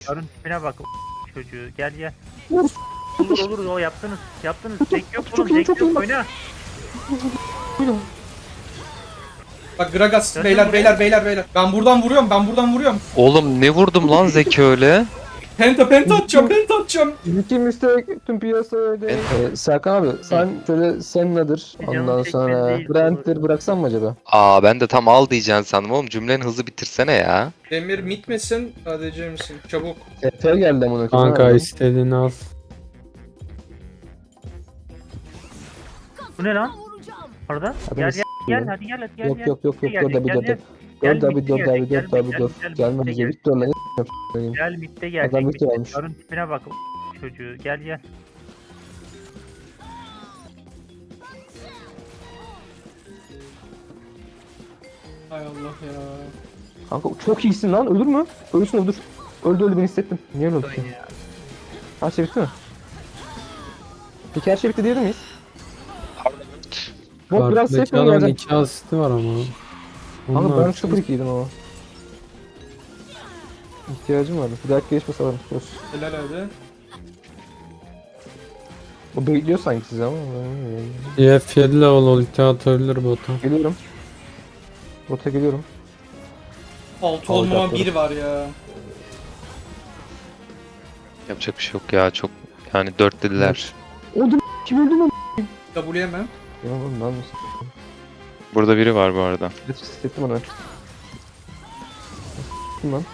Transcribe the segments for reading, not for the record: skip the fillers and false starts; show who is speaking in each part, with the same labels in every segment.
Speaker 1: Karın tipine bak çocuğu. Gel gel.
Speaker 2: Vur.
Speaker 1: Olur o yaptınız. Tek yok
Speaker 2: Çok
Speaker 1: oğlum.
Speaker 2: iyi,
Speaker 1: Tek
Speaker 2: çok
Speaker 1: yok
Speaker 2: iyi.
Speaker 1: oyna.
Speaker 2: Buyurun.
Speaker 3: Bak Gragas
Speaker 1: Döndün
Speaker 3: beyler
Speaker 1: buraya.
Speaker 3: beyler. Ben buradan vuruyorum.
Speaker 4: Oğlum ne vurdum lan Zeki öyle?
Speaker 3: Penta atacağım.
Speaker 2: İlki müstek tüm piyasa öyle. Serkan abi sen şöyle Senna'dır.
Speaker 1: Canım
Speaker 2: Ondan
Speaker 1: çekmedi
Speaker 2: sonra
Speaker 1: değil,
Speaker 2: Brent'tir bıraksan mı acaba?
Speaker 4: Aa ben de tam al diyeceksin sandım oğlum, cümleni hızlı bitirsene ya.
Speaker 3: Demir mit misin? ADC misin? Çabuk.
Speaker 2: Efe geldi amına koyayım.
Speaker 5: Kanka
Speaker 2: Nereden?
Speaker 5: istediğini al.
Speaker 1: Bu ne lan? Orada.
Speaker 2: Adamı
Speaker 1: Gel hadi gel hadi gel.
Speaker 2: Yok
Speaker 1: gel.
Speaker 2: yok yok yok
Speaker 1: Gel,
Speaker 2: dur da bir
Speaker 1: gel,
Speaker 2: dur.
Speaker 1: gel.
Speaker 2: Dur
Speaker 1: Gel,
Speaker 2: da bir
Speaker 1: bitti
Speaker 2: dur da
Speaker 1: gelecek,
Speaker 2: bir dur da
Speaker 1: gel,
Speaker 2: bir dur.
Speaker 1: gel,
Speaker 2: Gelme
Speaker 1: bitti
Speaker 2: bize
Speaker 1: gelecek.
Speaker 2: Victor lan.
Speaker 1: Gel mitte
Speaker 2: Adam
Speaker 1: gelecek.
Speaker 2: Victor almış.
Speaker 1: Karın tipine bak çocuğu. Gel gel.
Speaker 3: Hay Allah ya.
Speaker 2: Kanka çok iyisin lan ölür mü? Ölürsün öldür. Öldü ben hissettim. Niye öldü ki? Her şey bitti mi? Peki her şey bitti diyebilir miyiz? Bu biraz safe
Speaker 5: Kartdaki
Speaker 2: mi
Speaker 5: adamın
Speaker 2: gelecek?
Speaker 5: 2 asisti var ama.
Speaker 2: Kanka
Speaker 5: Onlar
Speaker 2: ben 0-2'ydim ama. İhtiyacım vardı. Bir dahaki geçmesi alırım. Olsun.
Speaker 3: Helal abi.
Speaker 2: O bekliyor sanki sizi ama.
Speaker 5: EF7 level ulti atabilir bota.
Speaker 2: Geliyorum. Bota geliyorum.
Speaker 3: 6 olmama
Speaker 2: Alacakları.
Speaker 3: 1 var ya.
Speaker 4: Yapacak bir şey yok ya, çok yani 4 dediler.
Speaker 2: Öldüm. Kim öldü lan?
Speaker 3: W'yemem.
Speaker 2: Ya oğlum ben misin?
Speaker 4: Burada biri var bu arada.
Speaker 2: Evet hissettim onu. Kim lan?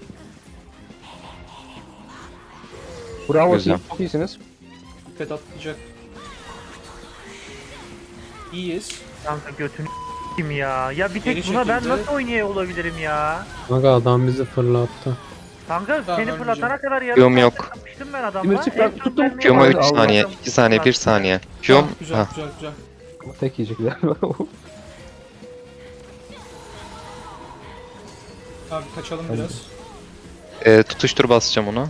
Speaker 2: Bravo
Speaker 4: Güzel.
Speaker 2: siz çok iyisiniz.
Speaker 3: Dikkat atlayacak. İyiyiz.
Speaker 1: Kanka götünü kim ya? Ya bir
Speaker 3: Geri
Speaker 1: tek buna ben
Speaker 3: çekildi.
Speaker 1: nasıl oynaya olabilirim ya?
Speaker 5: Kanka adam bizi fırlattı.
Speaker 1: Kanka
Speaker 3: Tamam,
Speaker 1: seni
Speaker 3: ölmeyeceğim.
Speaker 1: fırlatana kadar yarım
Speaker 4: Q'm
Speaker 1: saat
Speaker 4: yok.
Speaker 1: kapıştım ben adamla.
Speaker 2: Demir çık lan,
Speaker 1: En son
Speaker 2: tuttum.
Speaker 1: mermiyi
Speaker 4: Q'ma 3
Speaker 2: Allah.
Speaker 4: saniye, 2 saniye, 1 saniye. Q'm
Speaker 3: Tamam, güzel.
Speaker 2: Tek yiyecekler.
Speaker 3: Abi kaçalım biraz.
Speaker 4: Tutuştur basacağım onu.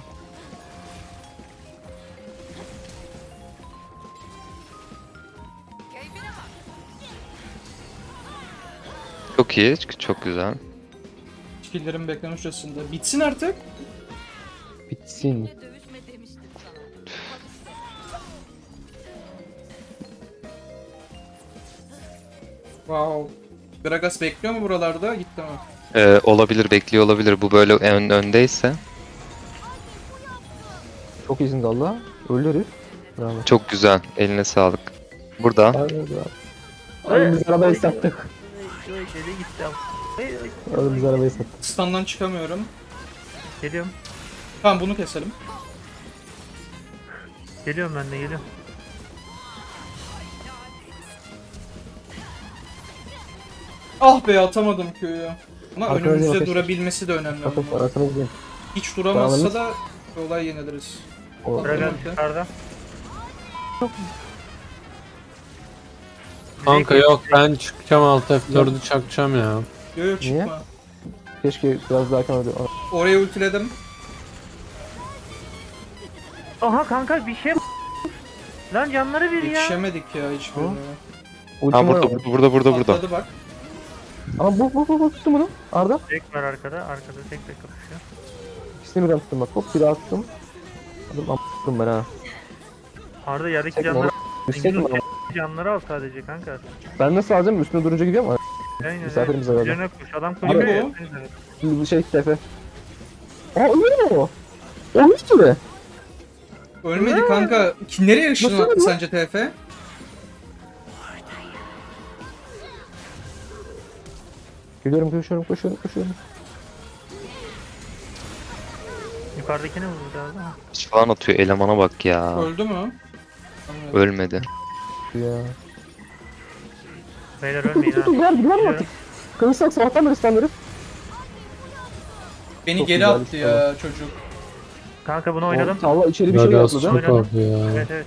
Speaker 4: Çok iyi, çok güzel.
Speaker 3: Skill'lerin bekleme süresinde. Bitsin artık.
Speaker 2: Bitsin.
Speaker 6: Dövüşme demiştim sana.
Speaker 3: Wow. Gragas bekliyor mu buralarda? Gitti mi?
Speaker 4: Olabilir, bekliyor olabilir. Bu böyle öndeyse.
Speaker 2: Çok iyisin valla. Öldü herif. Bravo.
Speaker 4: Çok güzel, eline sağlık. Burada.
Speaker 2: Oğlum biz arabayı sattık.
Speaker 1: Şöyle gitti ama.
Speaker 2: Oğlum biz arabayı sattık.
Speaker 3: Stun'dan çıkamıyorum.
Speaker 1: Geliyorum.
Speaker 3: Tamam bunu keselim.
Speaker 1: Geliyorum ben de geliyorum.
Speaker 3: Ah be atamadım köyü. Ama
Speaker 2: Arkadaşlar
Speaker 3: önümüzde
Speaker 2: arkadaşlar.
Speaker 3: durabilmesi de önemli.
Speaker 2: Bakın
Speaker 3: ama.
Speaker 2: arasına gidelim.
Speaker 3: Hiç duramazsa
Speaker 2: Tamam.
Speaker 3: da olay yeniliriz.
Speaker 2: O
Speaker 1: Dragan
Speaker 3: Tamam.
Speaker 1: yukarıda.
Speaker 5: Kanka yok, ben çıkacağım alt F4'ü çakacağım ya.
Speaker 3: Yo yo çıkma.
Speaker 2: Niye? keşke biraz daha erken öldü.
Speaker 3: Oraya ultiledim.
Speaker 1: Aha kanka bir şey lan canları bir ya.
Speaker 3: Yetişemedik ya hiçbirine.
Speaker 4: Ha burada.
Speaker 3: Atladı bak.
Speaker 2: Ama bu tuttum bunu. Arda.
Speaker 1: Tek var arkada. Arkada tek kapışıyor.
Speaker 2: İkisini birden tuttum bak. Hop bir daha tuttum. Adım am***ım ben ha.
Speaker 1: Arda yerdeki
Speaker 2: Çekme
Speaker 1: canları
Speaker 2: Üstteydim ama.
Speaker 1: canları al sadece kanka.
Speaker 2: Ben nasıl alacağım? Üstüne durunca gidiyor mu?
Speaker 1: Aynen.
Speaker 2: Misafirimize verdim.
Speaker 1: Üzerine koş. Adam
Speaker 3: Kim
Speaker 1: koşuyor.
Speaker 3: bu?
Speaker 2: Şimdi bu şey tefe. Aa ölüyor mu o? Ölmüş gibi.
Speaker 3: Ölmedi kanka. Nereye ışını
Speaker 2: Nasıl
Speaker 3: attı
Speaker 2: ölüyor?
Speaker 3: sence TF?
Speaker 2: Geliyorum koşuyorum.
Speaker 1: Yukarıdakini vurdu galiba.
Speaker 4: Hiç falan atıyor, elemana bak ya.
Speaker 3: Öldü mü?
Speaker 4: Ölmedi.
Speaker 2: Ya.
Speaker 1: Beyler ölmeyin ha.
Speaker 2: Ver
Speaker 1: Geliyorum.
Speaker 2: artık. Kılıçsak sabahtan beri standları.
Speaker 3: Beni
Speaker 2: Çok
Speaker 3: geri
Speaker 2: güzel
Speaker 3: attı
Speaker 2: bir
Speaker 3: ya çocuk.
Speaker 1: Kanka bunu oynadım.
Speaker 2: Allah içeri bir şey
Speaker 5: Gragas
Speaker 2: atladı.
Speaker 5: çok abi ya.
Speaker 1: Evet.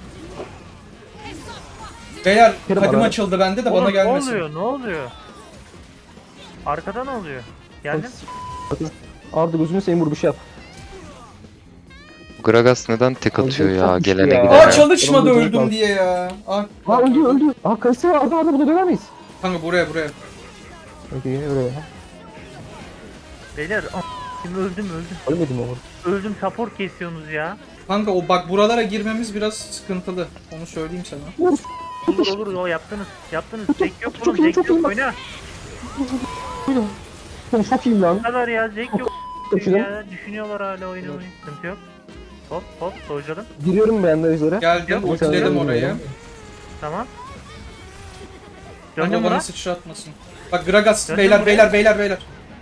Speaker 3: Beyler
Speaker 2: Kerim
Speaker 3: kadim
Speaker 2: ara.
Speaker 3: açıldı bende de
Speaker 1: Oğlum,
Speaker 3: bana gelmesin.
Speaker 1: Ne oluyor? Arkada ne oluyor? Geldim.
Speaker 2: Arda gözünü seveyim vur bir şey yap.
Speaker 4: Gragas neden tek atıyor ya,
Speaker 2: Çok
Speaker 4: gelene
Speaker 2: ya.
Speaker 4: gidene?
Speaker 3: Aa çalışmadı
Speaker 2: Oğlum,
Speaker 3: öldüm
Speaker 2: bak.
Speaker 3: diye ya.
Speaker 2: Ha öldü. Aa kayısı Arda burada döner miyiz?
Speaker 3: Kanka buraya.
Speaker 2: Peki öyle.
Speaker 1: Beyler Şimdi öldüm.
Speaker 2: Ölmedim ama.
Speaker 1: Öldüm, support kesiyorsunuz ya.
Speaker 3: Kanka o bak buralara girmemiz biraz sıkıntılı. Onu söyleyeyim sana.
Speaker 1: Olur o yaptınız. Zek yok
Speaker 2: Çok
Speaker 1: oğlum,
Speaker 2: iyi,
Speaker 1: Zek
Speaker 2: çok
Speaker 1: yok
Speaker 2: iyi.
Speaker 1: oyna.
Speaker 2: Çok iyiyim lan.
Speaker 1: Bu kadar ya, Zek yok.
Speaker 2: Kaçırdım.
Speaker 1: Ya, düşünüyorlar hala oyunu. Sıkıntı yok. Hop soğucalım.
Speaker 2: Giriyorum ben de üzere.
Speaker 3: Geldim,
Speaker 1: Yok,
Speaker 3: ultiledim
Speaker 2: yok.
Speaker 3: orayı.
Speaker 1: Tamam.
Speaker 3: Kanka
Speaker 1: Döndüm
Speaker 3: bana
Speaker 1: buna.
Speaker 3: sıçratmasın. Bak Gragas,
Speaker 1: Döndüm
Speaker 3: beyler,
Speaker 1: buraya.
Speaker 3: beyler.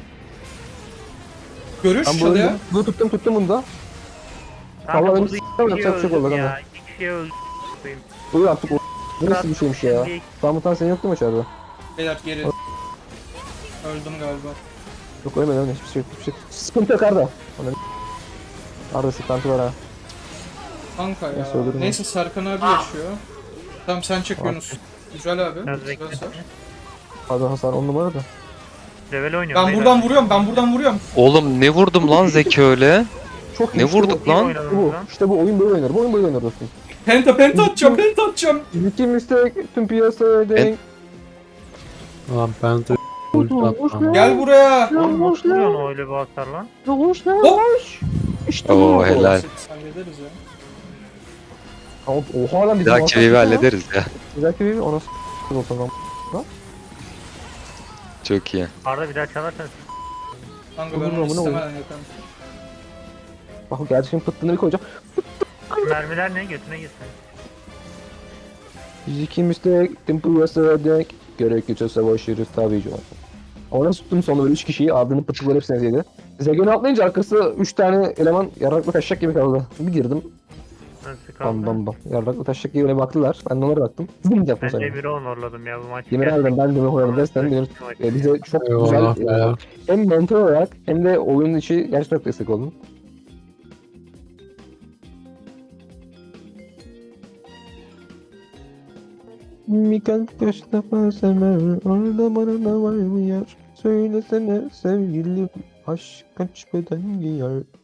Speaker 3: Görüş
Speaker 2: Ben
Speaker 3: çalıyor.
Speaker 2: öldüm. Bunu tuttum bunu da.
Speaker 1: Kanka
Speaker 2: Vallahi
Speaker 1: burada
Speaker 2: benim
Speaker 1: iki
Speaker 2: s***ım
Speaker 1: kişiye
Speaker 2: yapacak bir şey
Speaker 1: öldüm
Speaker 2: oldu
Speaker 1: ya.
Speaker 2: kanka.
Speaker 1: 2 kişiye öldüm.
Speaker 2: Buyur artık o. Bu nasıl bir şeymiş ya?
Speaker 1: Bir-
Speaker 2: Samutan senin yoktu mu içeride?
Speaker 3: Beyler geri. Öldüm galiba.
Speaker 2: Yok ölmedi hiçbir şey yok. Sıkıntı yok Arda. Arda sıkıntı var ha.
Speaker 3: Kanka ya.
Speaker 2: Neyse, öldürme.
Speaker 3: Neyse Serkan abi yaşıyor. Tamam sen çek Yunus. Güzel abi.
Speaker 1: Biraz
Speaker 3: Güzel
Speaker 1: bekle.
Speaker 3: sar.
Speaker 2: Arda hasar 10 numara da.
Speaker 1: Level oynuyorum.
Speaker 3: Ben
Speaker 1: beyler.
Speaker 3: buradan vuruyorum.
Speaker 4: Oğlum ne vurdum lan Zeki öyle?
Speaker 2: Çok iyi.
Speaker 4: Ne
Speaker 2: işte
Speaker 4: vurduk
Speaker 1: İyi
Speaker 4: lan?
Speaker 1: oynadınız
Speaker 2: Bu.
Speaker 1: lan.
Speaker 2: İşte bu oyun böyle oynar. Bu oyun böyle oynar dostum.
Speaker 3: Penta atacağım.
Speaker 2: İki mistek tüm piyasaya denk.
Speaker 5: Lan ben de ulti atmam.
Speaker 3: Gel buraya.
Speaker 1: Oğlum nasıl vuruyorsun öyle bir hasar lan?
Speaker 2: Hoş lan.
Speaker 3: Hop.
Speaker 2: İşte
Speaker 4: Oo
Speaker 2: bu.
Speaker 4: helal.
Speaker 3: Hallederiz ya.
Speaker 2: Oha lan
Speaker 4: Bir
Speaker 2: bizim
Speaker 4: dahaki
Speaker 2: hasar
Speaker 4: wave'i
Speaker 2: ya.
Speaker 4: hallederiz ya.
Speaker 2: Bir dahaki wave'i ona s*** olsun lan.
Speaker 4: Çok iyi.
Speaker 1: Arada bir daha çalarsan
Speaker 3: Kanka ben
Speaker 2: Olur,
Speaker 3: onu
Speaker 2: olur,
Speaker 3: istemeden
Speaker 2: olur.
Speaker 3: yaparım.
Speaker 2: Bak gerçekten pıttığını bir koyacağım.
Speaker 1: mermiler ne götüne gitsin.
Speaker 2: İki mistek tüm piyasaya denk. Gerekirse savaşırız tabii ki. Ona tuttum sonra böyle 3 kişiyi ardını pıtıkları hepsine ezildi. Zegen'i atlayınca arkası 3 tane eleman yarraklı taşacak gibi kaldı. Bir girdim.
Speaker 1: Nasıl
Speaker 2: Bam
Speaker 1: kaldı?
Speaker 2: bam bam. Yarraklı taşacak gibi öyle baktılar. Ben de onlara baktım. Zım yaptım
Speaker 1: Ben
Speaker 2: sana.
Speaker 1: Demir'i honorladım ya bu maç.
Speaker 2: Demir harbiden ben Demir oynadım dersen Demir bize çok
Speaker 5: Eyvallah
Speaker 2: güzel
Speaker 5: ya.
Speaker 2: hem mentor olarak hem de oyunun içi gerçekten çok destek oldun. Bir kalp kaç defa sever, orada bana da var mı yer? Söylesene sevgilim, aşk kaç beden giyer?